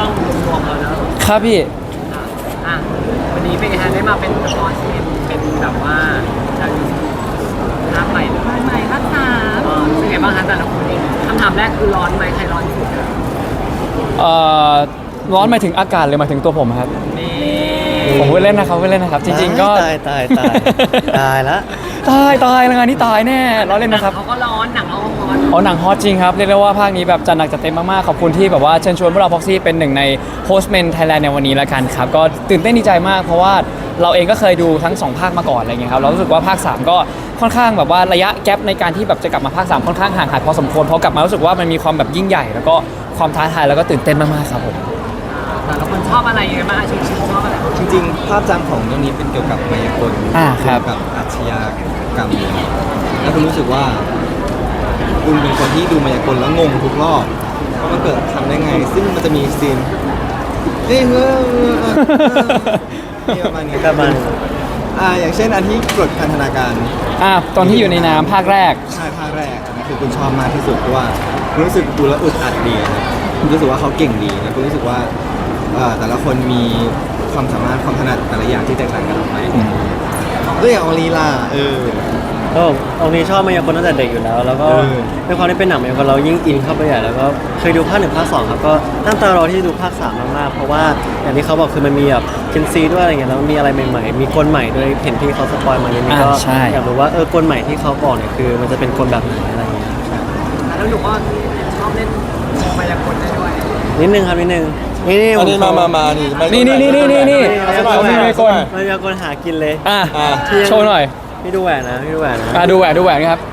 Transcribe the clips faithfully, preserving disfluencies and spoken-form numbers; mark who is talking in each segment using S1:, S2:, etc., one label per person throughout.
S1: องรวมๆแล้วนะครับ
S2: พี่
S1: อ่ะวันนี้เป็นไงฮะได้มาเป็นละครที่เป็นแบบว่าจะภาพใหม่เลยใหม่ภาคสามเป็นไงบ้างคะแต่ละคนนี้คำถามแรกคือร้อนไหมใครร้อนที่สุดอะ
S2: เอ่อร้อนหมายถึงอากาศหรือหมายถึงตัวผมครับ
S1: นี่
S2: ผมพูดเล่นนะครับพูดเล่นนะครับจริงๆก็
S3: ตายตายตายตายละ
S2: ตายตายแล้วงานนี้ตายแน่ล้อเล่นนะครับ
S1: เขาก็ร้อนหนังเขาก็ร้อน
S2: อ๋อหนังฮอตจริงครับเรียกได้ว่าภาคนี้แบบจัดหนักจัดเต็มมากๆขอบคุณที่แบบว่าเชิญชวนพวกเราพ็อกซี่เป็นหนึ่งในโฮสต์เมนไทยแลนด์ในวันนี้แล้วกันครับก็ตื่นเต้นดีใจมากเพราะว่าเราเองก็เคยดูทั้งสองภาคมาก่อนอะไรเงี้ยครับเรารู้สึกว่าภาคสามก็ค่อนข้างแบบว่าระยะแกปในการที่แบบจะกลับมาภาคสามค่อนข้างห่างหายพอสมควรพอกลับมารู้สึกว่ามันมีความแบบยิ่งใหญ่แล้วก็ความท้าทายแล้วก็ตื่นเต้นมากๆครับผม
S1: แต่ละคนชอบอะไรยังไงบ้างชิงชิงชอบอะไร
S3: จริงๆภาพจำของเรื่องนี้เป็นเกี่ยวกับมายากล
S2: อ่าครั
S3: เกี่
S2: บ
S3: ยวกับอาชญากรรมเนี่ยแล้วคุณรู้สึกว่าคุณเป็นคนที่ดูมายากลแล้วงงทุกรอบว่ามันเกิดทำได้ไง ซึ่งมันจะมีซีนเฮ้ยเฮ้ยนี่ประมาณนี้ประมาณอ่าอย่างเช่นอันที่กดพันธนาการ
S2: อ่ะตอนที่อยู่ในน้ำภาคแรก
S3: ใช่ภาคแรกอันนั้นคือคุณชอบมากที่สุดเพราะว่าคุณรู้สึกดูแล้วอึดอัดดีนะคุณรู้สึกว่าเขาเก่งดีแล้วคุณรู้สึกว่าเอ่อแต่ละคนมีความสามารถความถนัดแต่ละอย่างที่แตกต่างกันออกไปด้วยอย่างอองลีลาเออ
S4: ก็องค์นี้ชอบมายากลตั้งแต่เด็กอยู่แล้ว แล้วก็
S3: เออ
S4: ด้วยความที่เป็นหนังมายากลเรายิ่งอินเข้าไปใหญ่แล้วก็เคยดูภาคหนึ่งภาคสองครับก็ตั้งตารอที่จะดูภาคสามมากๆเพราะว่าอย่างที่เขาบอกคือมันมีแบบเคนซีด้วยอะไรเงี้ยแล้วมันมีอะไรใหม่ๆมีกลใหม่ด้วยเห็นที่เขาสปอยมาอย่างนี้ก็
S2: อ่าใช่
S4: อยากรู้ว่าเออกลใหม่ที่เขาบอกเนี่ยคือมันจะเป็นกลแบบไหนอะไรเงี้ย
S1: แล้วหนูก็ชอบเล่นมายากลได้ด้วย
S4: นิดนึงครับนิดนึงนี่นี่
S3: อันนี้มามามานี่
S2: นี่นี่นี่นี่นี่นี่
S4: เขา
S2: เขามีไมโกล
S4: มายากลหากินเลย
S2: อ่ะ
S3: อ่า
S2: โชว์หน่อย
S4: พี่ดูแหวนนะพี่ดูแหวนนะ
S2: อ่ะดูแหวนดูแหวนครับ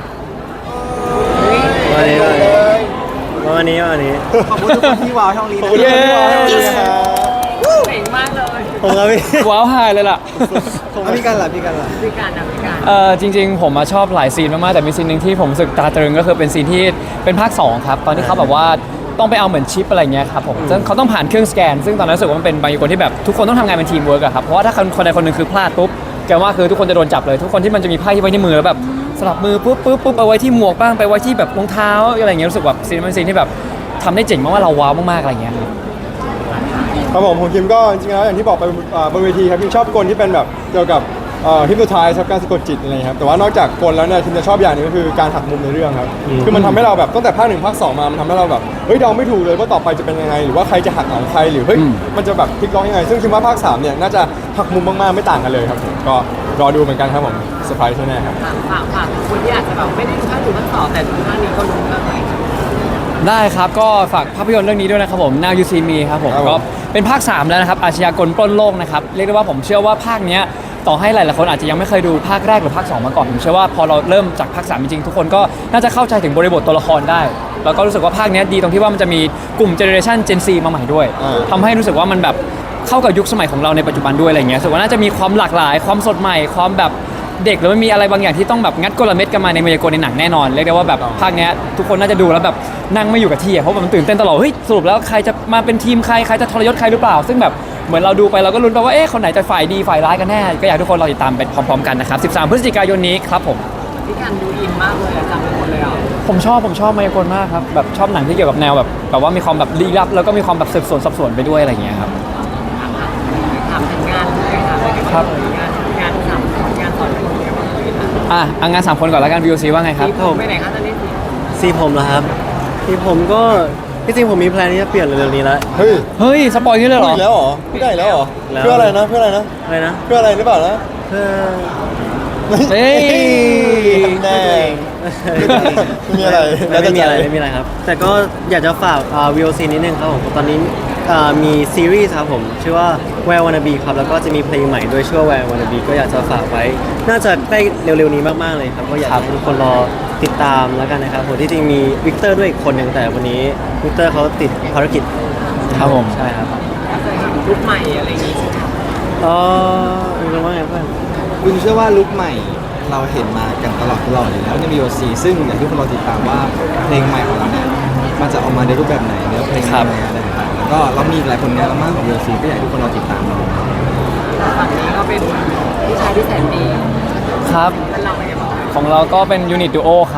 S4: วันนี้วันนี้วันนี้
S3: ขอบคุณทุกคนที่ว้าวช่องนี้นะ
S2: ขอบคุณทุกคนที่ว้าวช่องนี้นะ
S1: เก่งมากเลย
S4: ผมครับพี่
S2: ว้าวไฮเลยล่ะ
S3: อ่ะพี่กันล่ะพี่กันล่ะ
S1: พิการนะพิการ
S2: เอ่อจริงๆผมมาชอบหลายซีนมากๆแต่มีซีนหนึ่งที่ผมรู้สึกตาตรึงก็คือเป็นซีนที่เป็นภาคสองครับตอนที่เขาแบบว่าต้องไปเอาเหมือนชิปอะไรเงี้ยครับผมซึ่งเขาต้องผ่านเครื่องสแกน ซึ่งตอนนั้นรู้สึกว่ามันเป็นบางคนที่แบบทุกคนต้องทำงานเป็นทีมเวิร์กอะครับเพราะว่าถ้าคนใดคนหนึ่งคือพลาดปุ๊บแกว่าคือทุกคนจะโดนจับเลยทุกคนที่มันจะมีไพ่ที่ไว้ที่มือแล้วแบบสลับมือปุ๊บปุ๊บปุ๊บเอาไว้ที่หมวกบ้างไปไว้ที่แบบรองเท้าอะไรเงี้ยรู้สึกแบบซีนมันซีนที่แบบทำได้เจ๋งมากว่าเราว้าวมากๆอะไรเงี้ยครับ
S5: ครับผมผมคิมก็จริงๆแล้วอย่างที่บอกไปอ่าบนเวทีครับคิมชอบกลที่เป็นแบบเกี่ยวกับเอ่อฮิปโนไทส์ครับการสะกดจิตอะไรครับแต่ว่านอกจากกลแล้วเนี่ยคิมจะชอบอย่างหนึงก็คือการหักมุมในเรื่องครับคือมันทำให้เราแบบตั้งแต่ภาคหนึ่งภาคสองมามันทำให้เราแบบเฮ้ยเดาไม่ถูกเลยว่าต่อไปจะเป็นยังไงหรือว่าใครจะหักของใครหรือเฮ้ย
S2: อืม
S5: มันจะแบบพลิกล็อกยังไงซึ่งคิดว่าภาคสามเนี่ยน่าจะหักมุมมากๆไม่ต่างกันเลยครับผมก็รอดูเหมือนกันครับผมเซอร์ไพรส์แน่ๆครับ
S1: ฝากฝากฝากคนที่อาจจะแบบไม่ได้ดูภาคหนึ่งภาคสองแต่ดูภาคนี้ก็รู้เรื่องไหม
S2: ได้ครับก็ฝากภาพยนตร์เรื่องนี้ด้วยนะครับผม Now You See Me ครับผม
S5: ครับผม
S2: ก็เป็นภาคสามแล้วนะครับอาชญากรปล้นโลกนะครับเรียกได้ว่าผมเชื่อว่าภาคเนี้ยต่อให้หลายๆคนอาจจะยังไม่เคยดูภาคแรกหรือภาคสองมาก่อนผมเชื่อว่าพอเราเริ่มจากภาคสามจริงๆทุกคนก็น่าจะเข้าใจถึงบริบทตัวละครได้แล้วก็รู้สึกว่าภาคเนี้ยดีตรงที่ว่ามันจะมีกลุ่มเจเนอเรชัน Gen Z มาใหม่ด้วย
S5: อ่า
S2: ทำให้รู้สึกว่ามันแบบเข้ากับยุคสมัยของเราในปัจจุบันด้วยอะไรเงี้ยรู้สึกว่าน่าจะมีความหลากหลายความสดใหม่ความแบบเด็กหรือมันมีอะไรบางอย่างที่ต้องแบบงัดกลเม็ดกันมาในมายากลในหนังแน่นอนเรียกได้ว่าแบบภาคเนี้ยทุกคนน่าจะดูแล้วแบบนั่งไม่อยู่กับที่อะเพราะมันตื่นเต้นตลอดเฮ้ยสรุปแล้วใครจะมาเป็นทีมใครใครจะทรยศใครหรือเปล่า ซึ่งแบบเหมือนเราดูไปเราก็ลุ้นไปว่าเอ๊ะคนไหนจะฝ่ายดีฝ่ายร้ายกันแน่ก็อยากให้ทุกคนรอติดตามไปพร้อมๆกันนะครับสิบสามพฤศจิกายนนี้ครับผม
S1: พิการดูอินมากเลยอะจำไปหมดเลยอ่ะ
S2: ผมชอบผมชอบมายากลมากครับแบบชอบหนังที่เกี่ยวกับแนวแบบแบบว่ามีความแบบลี้ลับแล้วก็มีความแบบสืบสวนสอบสวนไปด้วยอะไรอย่างเงี้ยครับ
S1: ถามถึงงานเลยค่ะเป็นไง
S2: ครั
S1: บ้าง
S2: บ
S1: เลยงานงานสามคนงานสอนคนเป็นไงบ้างเลยค่ะ
S2: อ่ะเอางานสามคนก่อนแล้วกัน วี โอ ซี ว่าไงครับ
S1: ที่ผมไปไหนคะตอนนี้สิ
S4: สีผมเหรอครับสีผมก็ที่จริงผมมีแพลนที่จะเปลี่ยนเร็วๆนี้แล้ว
S5: เฮ้ย
S2: เฮ้ยสปอยล์อย่างนี้เลยเหรอ
S5: พูดอีกแล้วเหรอพูดได้อีกแล้วเหรอ
S4: แล้ว
S5: เพื่ออะไรนะเพื่ออะไรนะ
S4: อะไรนะ
S5: เพื่ออะไรหรือเปล่านะ
S4: เพื่อ
S2: เฮ้ย
S5: ทำแน่ไม่มีอะไร
S4: ไม่ไม่มีอะไรไม่มีอะไรครับ แต่ก็อยากจะฝากอ่า วี โอ ซี นิดนึงครับผมตอนนี้อ่ามีซีรีส์ครับผมชื่อว่า Where Wanna Be ครับแล้วก็จะมีเพลงใหม่ด้วยชื่อว่า Where Wanna Be ก็อยากจะฝากไว้ น่าจะใกล้เร็วๆนี้มากๆเลยครับก็อยากให้ทุกคนรอติดตามแล้วกันนะครับผมที่จริงมีวิกเตอร์ด้วยอีกคนหนึ่งแต่วันนี้วิกเตอร์เขาติดภารกิจ
S2: ครับผม
S4: ใช่ครับ
S1: เคยเห็นลุคใหม่อะไรอย่างงี้ใช่ไหม
S4: เออมีเรื่องว่าไงเพื่อน
S3: คุณเชื่อว่าลุคใหม่เราเห็นมากันตลอดตลอดอยู่แล้วใน วี โอ ซี ซึ่งอย่างที่คนเราติดตามว่าเพลงใหม่ของเราเนี่ยมันจะออกมาในรูปแบบไหนเนื้อเพลง
S2: ครับ
S3: ยังไงอะไรต่างๆแล้วก็เรามีอีกหลายผลงานมากของ วี โอ ซี ก็อยากให้ทุกคนเราติดตามเรา
S1: ฝั่งนี้ก็เป็นพี่ชายที่แสนดี
S2: ครับ
S1: แล้วเราเป็นไงบ้างคะ
S2: ของเราก็เป็นยูนิตดูโอครับ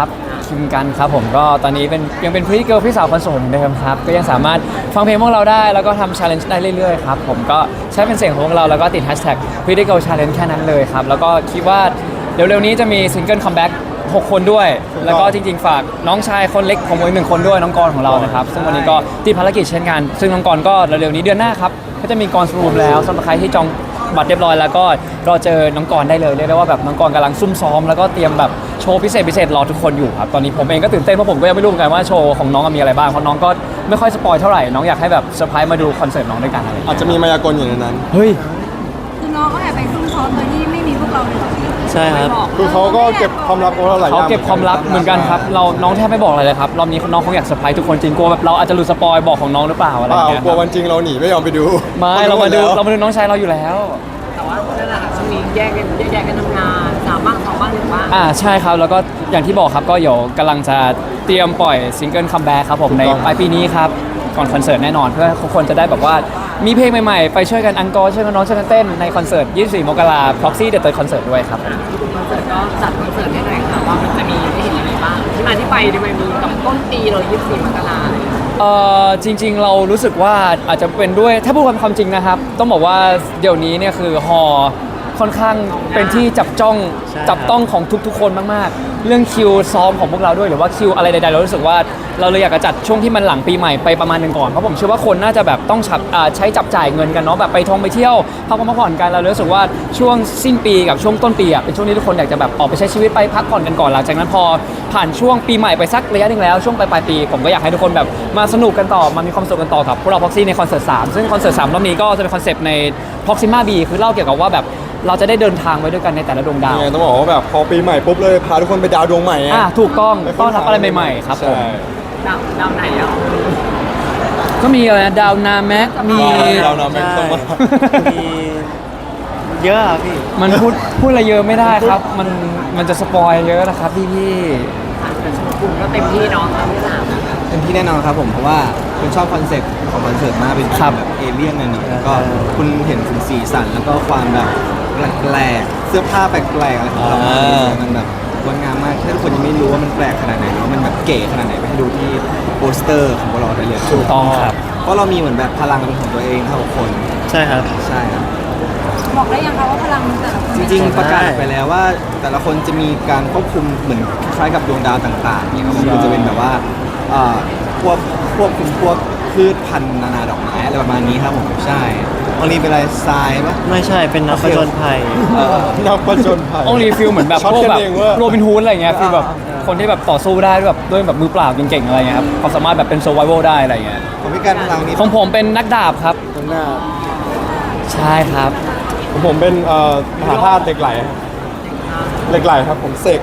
S2: คิมกันครับผมก็ตอนนี้เป็นยังเป็นพรีเกิลพี่สาวคนโสดเหมือนเดิมครับก็ยังสามารถฟังเพลงพวกเราได้แล้วก็ทำชาเลนจ์ได้เรื่อยๆครับผมก็ใช้เป็นเสียงของพวกเราแล้วก็ติดแฮชแท็กพรีเกิลชาเลนจ์แค่นั้นเลยครับแล้วก็คิดว่าเร็วๆนี้จะมีซิงเกิลคัมแบ็กหกคนด้วย แล้วก็จริงๆฝากน้องชายคนเล็กของผมอีกหนึ่งคนด้วยน้องกรของเรานะครับซึ่งวันนี้ก็ติดภารกิจเช่นกันซึ่งน้องกรก็เร็วๆนี้เดือนหน้าครับก็จะมีกรรูมแล้วสำหรับใครที่จองบัตรเรียบร้อยแล้วก็รอเจอน้องกรได้เลยเรียกได้ว่าแบบน้องกรกำลังซุ่มซ้อมแล้วก็เตรียมแบบโชว์พิเศษพิเศษรอทุกคนอยู่ครับตอนนี้ผมเองก็ตื่นเต้นเพราะผมก็ยังไม่รู้เหมือนกันว่าโชว์ของน้องมีอะไรบ้างเพราะน้องก็ไม่ค่อยสปอยเท่าไหร่น้องอยากให้แบบเซอร์ไพรส์มาดูคอนเสิร์ตน้องด้วยกันอะไรอย่าง
S5: อาจ
S2: เงี้ย
S5: จะมีมายากลอยู่ในนั้น
S2: เฮ้ย
S6: คือน้องก็แอบไปซุ่มซ้อมโดยที่ไม่มีพวกเราเลยเหรอพี่
S4: ใช่ครับ
S5: คือเขาก็เก็บความลับของเราหลายอ
S2: เขา
S5: ย่าง
S2: เก็บความลับเหมือนกันครับเราน้องแทบไม่บอกอะไรเลยครับรอบนี้น้องคงอยากเซอร์ไพรส์ทุกคนจริงกลัวแบบเราอาจจะหลุดสปอยบอกของน้องหรือเปล่าอะไร
S5: เป
S2: อ
S5: ล่า
S2: ย่างเงี้ย
S5: กลัววันจริงเราหนีไม่ยอมไปดู
S2: ไม่เรามาดูเรามาดูน้องชายเราอยู่แล้ว
S1: แต่ว่านั่นแหละค่ะช่วงนี้แยกกันแยกย้ายกันทำงานสามบ้างสองบ้างหนึ่งบ้าง
S2: อ่าใช่ครับแล้วก็อย่างที่บอกครับก็เดี๋ยวกำลังจะเตรียมปล่อยซิงเกิลคัมแบ็กครับผมในปลายปีนี้ครับก่อนคอนเสิร์ตแน่นอนเพื่อทุกคนจะได้แบบว่ามีเพลงใหม่ๆ ไปช่วยกันอังกอร์ช่วยกันน้องช่วยกันเต้นในคอนเสิร์ตยี่สิบสี่มกราคม Proxy The Third Concert ด้วยครับ
S1: คอนเสิร์ตก็จัดคอนเสิร์ตให้หน่อยค่ะว่ามันจะมีให้เห็นอะไรบ้างที่มาที่ไปทำไมมีกับต้นปีเลยยี่สิบสี่มกราคม
S2: เอ่อจริงๆเรารู้สึกว่าอาจจะเป็นด้วยถ้าพูดความจริงนะครับ ต้องบอกว่าเดี๋ยวนี้เนี่ยคือฮอค่อนข้างเป็นที่จับจ้อง
S4: ใช่
S2: จับต้องของทุกๆ คนมากๆ เรื่องคิวซ้อมของพวกเราด้วยหรือว่าคิวอะไรใดๆเรารู้สึกว่าเราเลยอยากจะจัดช่วงที่มันหลังปีใหม่ไปประมาณหนึ่งก่อนเพราะผมเชื่อว่าคนน่าจะแบบต้องฉับอ่าใช้จับจ่ายเงินกันเนาะแบบไปท่องไปเที่ยวพักผ่อนพักผ่อนกันเราเลยรู้สึกว่าช่วงสิ้นปีกับช่วงต้นปีอ่ะเป็นช่วงที่ทุกคนอยากจะแบบออกไปใช้ชีวิตไปพักผ่อนกันก่อนหลังจากนั้นพอผ่านช่วงปีใหม่ไปสักระยะหนึงแล้วช่วงปลายๆปีผมก็อยากให้ทุกคนแบบมาสนุกกันต่อมามีความสุขกันต่อกับพวกเราพ็อกซี่ในคอนเสิร์ตสามซึ่งคอนเสิร์ตสามรอบนี้ก็จะเป็นคอนเซปต์ใน Proxima B คือเล่าเกี่ยวกับว่าแบบเราจะได้เดินทางไปด้วยกันในแต่ละดวงดาว
S5: ยังไงต้องบอกว่าแบบพอปีใหม่ปุ๊บเลยพาทุกคนไปดาวดวงใหม่ไง
S2: อ่าถูกต้องต้อนรับอะไรใหม่ๆครับผม
S5: ใช่
S1: ดาวดาวไหนอ่ะ
S2: ก็มีอะไรนะดาวนาแม็กมี
S5: ดาวนาแม็กต้องมา
S4: มีเยอะอะพี่
S2: มันพูดพูดอะไรเยอะไม่ได้ครับ มันมันจะสปอยเยอะนะครับพี่พี่
S1: แต่ชมคุณก็เต็มที่เนาะครั้งที่สาม
S3: เป็นที่แน่นอนครับผมเพราะว่าคุณชอบคอนเซ็ปต์ของคอนเสิร์ตมากเป็นแบบเอเลี่ยนหน่อยๆแล้วก็คุณเห็นถึงสีสันแล้วก็ความแบบแปลกๆเสื้อผ้าแปลกๆอะไรของเรามันแบบงดงามมากถ้าทุกคนยังไม่รู้ว่ามันแปลกขนาดไหนหรือว่ามันแบบเก๋ขนาดไหนไปให้ดูที่โปสเตอร์ของพวกเราได้เลย
S2: ถูกต้องครับ
S3: เพราะเรามีเหมือนแบบพลังเป็นของตัวเองทั้งหกคน
S4: ใช่ครับ
S3: ใช่ครับ
S6: บอกได้ยังคะว่าพลังแต่ละคน
S3: จริงๆประกาศไปแล้วว่าแต่ละคนจะมีการควบคุมเหมือนคล้ายกับดวงดาวต่างๆเนี่ยครับผมคือจะเป็นแบบว่าเอ่อควบควบคุมพวกพืชพันธุ์นานาดอกไม้อะไรประมาณนี้ครับผมใช่วันนี้เป็นอะไรทรายปะ
S4: ไม่ใช่เป็นนักผจญภัย
S3: เออ
S5: นักผจญภัย
S2: องรีฟิลเหมือนแบบ
S5: ช็อต
S2: พวก
S5: กัน
S2: แบบ
S5: เองเว้ย
S2: โรบินฮูดอะไรเงี้ยคือแบบคนที่แบบต่อสู้ได้ด้วยแบบด้วยแบบมือเปล่าเก่งๆอะไรเงี้ยครับความสามารถแบบเป็นโซ r v i ว a l ได้อะไรเงี้ย
S3: ผมพิการพลังนี้
S2: ของผมเป็นนักดาบครับ
S5: ตรงหน้า
S2: ใช่ครับ
S5: ของผมเป็นเอ่อมหาธาตุเหล็กไหลครับเหล็กไหลครับผมเสก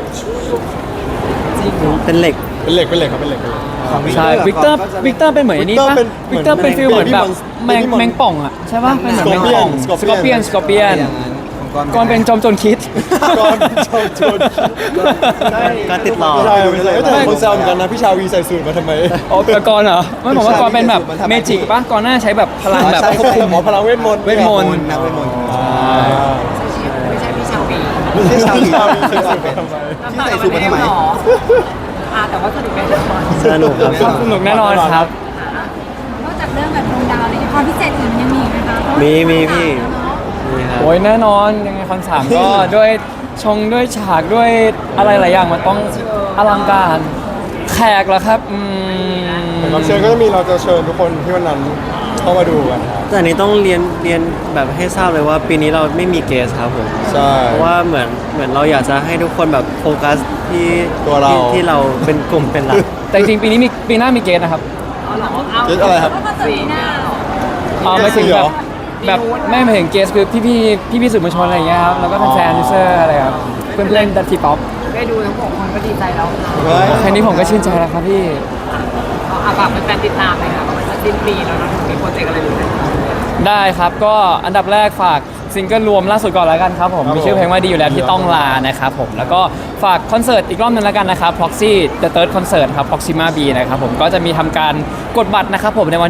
S4: เป็นเหล็ก
S5: เป็นเหล็กเป็นเหล็กครับเป็นเหล็กเป็นเหล็ก
S3: ของ
S2: ใช่วิกเตอร์วิกเตอร์เป็นเหมือนไอ้นี่ปะ
S5: วิ
S2: วิ
S5: ก
S2: ก
S5: เต
S2: เต
S5: อ
S2: อ
S5: ร์
S2: ร์
S5: เป็
S2: เป็น นฟิลเหมือนแบบแมง
S5: Baby Mon
S2: แมงป่องอะใช่ปะเป็นเหมือนแมงป่อง
S5: Scorpion
S2: สกอร์เปียนสกอร์เปียน
S3: อย่างนั้นของ
S2: ก่อนเป็นจอมโจรคิด
S5: ก่อนโจรโจร
S4: การติดต่อ
S5: ใช่ไม่ใช่แต่คนแซวเหมือนกันนะพี่ชาวีใส่สูตรมาทำไม
S2: อ๋อแต่ก่อนเหรอไม่ผมว่าก่อนเป็นแบบเมจิกปะก่อนหน้าใช้แบบพลังแบบ
S5: ใช่
S2: ควบคุม
S5: หมอพลังเวทมนต์
S2: เวทมนต์
S3: นักเวทมนต์
S5: อ่า
S1: ไม่ใช่พี่ชาวบี
S3: ไม่ใช่ชาว
S5: พี่ชาวี
S3: ที่
S5: ใส่สูตรมาทำไม
S3: ใส่สูตรมาทำไม
S1: หรออ่าแต่ว่าสนุกแน่นอน
S4: สนุกครับ
S2: สนุกแน่นอนครับ
S6: นอกจากเรื่องแบบดวงดาวอะไรความพิเศษอื่นยังมีอีกไหมคะ
S4: มีมีพี่มีครับ
S2: โอ้ยแน่นอนยังไงคอนสามก็ ด้วยชงด้วยฉากด้วยอะไรหลายอย่างมันต้องอลังการแขกเหรอครับอืม
S5: รับเชิญก็จะมีเราจะเชิญทุกคนที่วันนั้นเข้ามาดูกันครับ
S4: แต่อันนี้ต้องเรียนเรียนแบบให้ทราบเลยว่าปีนี้เราไม่มีเกสครับผม
S5: ใช่
S4: เพราะว่าเหมือนเหมือนเราอยากจะให้ทุกคนแบบโฟกัสที่
S5: ตัวเรา
S4: ที่ที่เราเป็นกลุ่มเป็นหลัก
S2: แต่จริงๆปีนี้มีปีหน้ามีเกสนะครับ
S1: เอาหรอเอา
S5: เกสอะไรครับ
S6: ก็คอนเสิร์ตปีหน้าเหรอ
S2: อ๋อไม่ถึงแบบแบบไม่หมายถึงเกสคือพี่พี่พี่พี่ๆสื่อมวลชนอะไรอย่างเงี้ยครับแล้วก็แฟนๆยูเซอร์อะไรครับเพื่อนเล่นดัตทีป๊อป
S1: ได้ดูทั้งหกคนก็ดีใจแล้วค่ะ
S5: เฮ้ย
S2: แค่นี้ผมก็ชื่นใจแล้วครับพี่
S1: เอาเอาฝากแฟนๆติดตามเลยค่ะว่ามันจะสิ้นปีแล้วเนาะมีโปรเจกต์อะไรอยู่ไหม
S2: ได้ครับก็อันดับแรกฝากซิงเกิลรวมล่าสุดก่อนแล้วกันครับผม
S5: ครับผม
S2: มีชื่อเพลงว่าดีอยู่แล้วที่ต้องลานะครับผมแล้วก็ฝากคอนเสิร์ตอีกรอบหนึงแล้วกันนะครับ Proxy The Third Concert ครับ Proxima B นะครับผมก็จะมีทำการกดบัตรนะครับผมในวันที่หก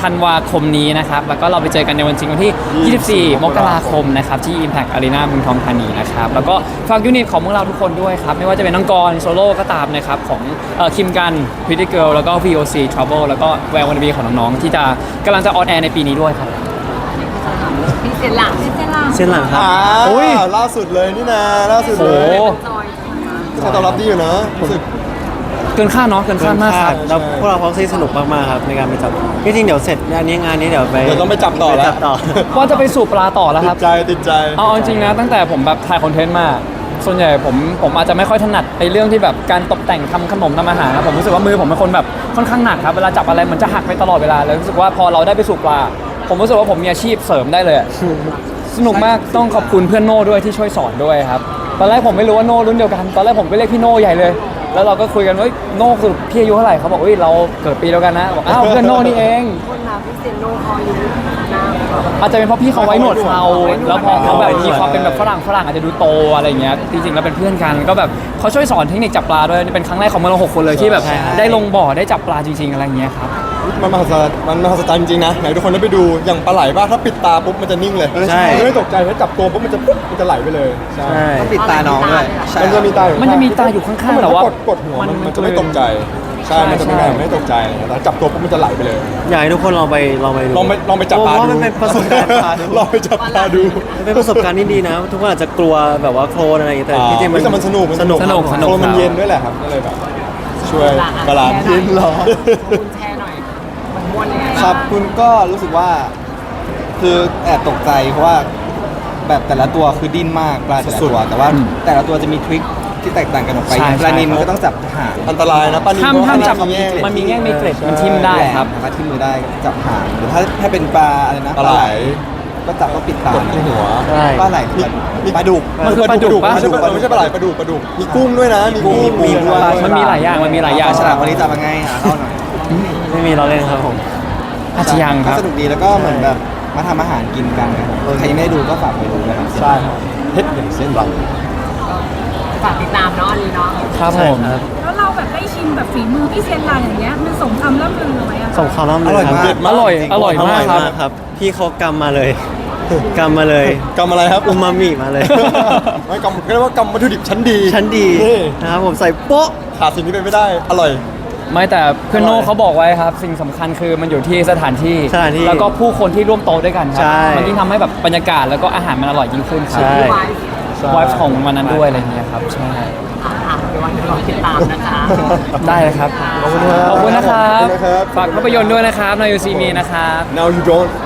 S2: ธันวาคมนี้นะครับ แล้วก็เราไปเจอกันในวันจริงวันที่ ยี่สิบสี่ มกราคมนะครับ ที่ Impact Arena เมืองทองธานีนะครับ แล้วก็ฝากยูนิตของพวกเราทุกคนด้วยครับ ไม่ว่าจะเป็นน้องกรโซโล่ก็ตามนะครับ ของคิมกัน Pretty Girl แล้วก็ วี โอ ซี Trouble แล้วก็แวววันบีของน้องๆที่จะกำลังจะออนแอร์ในปีนี้ด้วยครับ
S1: พี่เซนหลัง
S6: เจนล่า
S4: เส้นหลังครับ
S5: อ่า
S2: อุ๊ย
S5: ล่าสุดเลยนี่นะล่าสุดเล
S2: โอ้
S5: ย
S2: โห
S1: จอยมา
S5: ใช้ตอบรับดีอยู่นะรู้สึก
S2: เกินคาดเนาะเกินคาดมากครับ
S4: แล้วพวกเราพ็อกซี่สนุกมากๆครับในการไปจับจริงๆเดี๋ยวเสร็จงานนี้งานนี้เดี๋ยวไป
S5: เดี๋ยวต้องไปจับต่อแล้ว
S4: ไปจับต่อ
S2: ว่าจะไปสู่ปลาต่อแล้ว
S5: ติ
S2: ครั
S5: ด
S2: บ
S5: ใจติดใจ
S2: เอาจริงๆนะตั้งแต่ผมแบบถ่ายคอนเทนต์มา ส่วนใหญ่ผมผมอาจจะไม่ค่อยถนัดในเรื่องที่แบบการตกแต่งทำขนมทำอาหารนะผมรู้สึกว่ามือผมเป็นคนแบบค่อนข้างหนักครับเวลาจับอะไรมันจะหักไปตลอดเวลาเลยรู้สึกว่าพอเราได้ไปสู่ปลา ผมรู้สึกว่าผมมีอาชีพเสริมได้เลยอะ สนุกมากต้องขอบคุณเพื่อนโน่ด้วยที่ช่วยสอนด้วยครับตอนแรกผมไม่รู้ว่าโน่รุ่นเดียวกันตอนแรกผมไปเรียกพี่โน่ใหญ่เลย แล้วเราก็คุยกันว่าเฮ้ยโน่คือพี่อายุเท่าไหร่เขาบอกเฮ้ยเราเกิดปีเดียวกันนะบอกอ้าวเพื่อนโน่นี่เอง
S1: คนเราพี่เซนโนคออยู่หน้า
S2: อาจจะเป็นเพราะพี่เขาไว้หนวดเขาแล้วพอเขาแบบมีความเป็นแบบฝรั่งฝรั่งอาจจะดูโตอะไรเงี้ยจริงๆแล้วเป็นเพื่อนกันก็แบบเขาช่วยสอนเทคนิคจับปลาด้วยนี่เป็นครั้งแรกของเราหกคนเลยที่แบบ
S4: ใช่
S2: ได้ลงบ่อได้จับปลาจริงๆอะไรเงี้ยครับ
S5: มันมหัศจรรย์มันมหัศจรรย์จริงๆนะไหนทุกคนได้ไปดูอย่างปลาไหลป่ะถ้าปิดตาปุ๊บมันจะนิ่งเลย
S4: ใช่
S5: ไม่ตกใจถ้าจับตัวปุ๊บมันจะปุ๊บมันจะไหลไปเลยใช่
S4: ใช่
S3: ต้องปิดตาน้องด้วยใช่
S5: มันจะมีตาอยู่
S2: มันจะมีตาอยู่ข้างๆแต่ว่า
S5: กดกดหัวมันมันจะไม่ตกใจใช่มันจะไม่ได้ไม่ตกใจแต่จับตัวปุ๊บมันจะไหลไปเลย
S4: อยากให้ทุกคนลองไปลองไปดู
S5: ลองไปลองไปจับปลา
S4: เพ
S5: ดู
S4: ราะมันเป็นประสบการณ์ปลาดู
S5: ลองไปจับปลาดู
S4: มันเป็นประสบการณ์ที่ดีนะ ทุกคนอาจจะกลัวแบบว่าโคลนอะไรอย่างเงี้ยแต่
S5: อ่า
S4: ที่จริง
S5: เฮ้ยแต่มันสนุก
S4: สนุก
S2: สนุก
S4: ครับ
S2: สนุก
S5: โคลนมันเย็นด้วยแหละครับก็เลยแบบช่วยบาลานซ์
S1: เย็นเหรอ
S5: อ
S1: คุณแชร์หน่อยมันม้วนยังไง
S3: ครับคุณก็รู้สึกว่า คือแอบตกใจเพราะว่าแบบแต่ละตัวคือดิ้นมากปลาแต่ละตัว แต่ว่าแต่ละตัวจะมีทริคที่แตกต่างกันออกไป
S2: ใช่
S3: อย่างปลานิน
S2: ใช่
S3: ก็ต้องจับหาง
S5: อันตรายนะปลานิล
S2: ห้าม
S5: ก็
S2: ห้ามจับ
S5: แง่ง
S2: มันมีแง่งมีเกล็ดมันทิ่มได้ครับ
S3: สามารถที่มือได้จับหางหรือถ้าถ้าเป็นปลาอะไรนะ
S5: ปลาไหล
S3: ก็จับก็ปิดตาก
S5: ดที่หัว
S4: ใช่
S3: ปลาไหล
S5: มีมีปลาดุก
S2: มันคือปลาดุกปะ
S5: ไม่ใช่ปลาไม่ใช่ปลาไหลปลาดุกปลาดุกมีกุ้งด้วยนะมีกุ้ง
S3: มีกุ้ง
S5: มี
S3: ด้วย
S2: มันมีหลายอย่างมันมีหลายอย่าง
S3: ฉลามวันนี้จับยังไงหาเล่าหน่อย
S4: ไม่มีเราเล่นครับผม
S2: อาจจะยังค
S3: ก็
S2: รับ
S3: สนุกดีแล้วก็เหมือนแบบมาทำอาหารกินกันนะครับใครยังไม่ได้ดูก็ฝากไปดูนะครับ
S5: ใช่ครับเฮ็ดอย่างเส้นเรา
S1: ฝากติดตามเนาะอันนี้เนาะ
S2: ครับผม
S6: แล้วเราแบบได้ชิมแบบฝีมือพี่เซนลายอย่างเงี้ยมันสมคำล่ำลือไหมอะ
S4: ส่งข่าวล่ำ
S3: อ
S4: เล
S3: ร่อย
S4: ยค
S3: มา
S4: รั
S3: ก
S4: บ
S2: อร่อยอร่อยมากครับ
S4: ครับ พี่เขากำมาเลยกำมาเลย
S5: กำอะไรครับ
S4: อูมามิมาเลย
S5: ไม่กำเรียกว่ากำวัตถุดิบชั้นดี
S4: ชั้นดี
S5: นี่
S4: นะครับผมใส่โป๊ะ
S5: ขาดสิ่งนี้ไปไม่ได้อร่อย
S2: ไม่แต่เพื่อนโน่เขาบอกไว้ครับ สิ่งสำคัญคือมันอยู่ที่สถานที่
S4: สถานที่
S2: แล้วก็ผู้คนที่ร่วมโต๊ะด้วยกันครั
S4: ใช่
S2: มันยิ่งทำให้แบบบรรยากาศแล้วก็อาหารมันอร่อยยิ่งขึ้นครั
S4: ใช่
S1: ไว้
S2: ไวฟ์ของวันนั้นด้วยอะไรอย่างเงี้ยครับใช่
S1: อ่ะอ่ะเดี๋ยววันนี้รอติดตามนะคะ
S2: ได้เลยครับ
S5: ขอบคุณครับ
S2: ขอบคุณนะครับ
S5: ขอบคุณนะครับ
S2: ฝากภาพยนตร์ด้วยนะครับในยูซีมีนะครับ
S5: Now you don't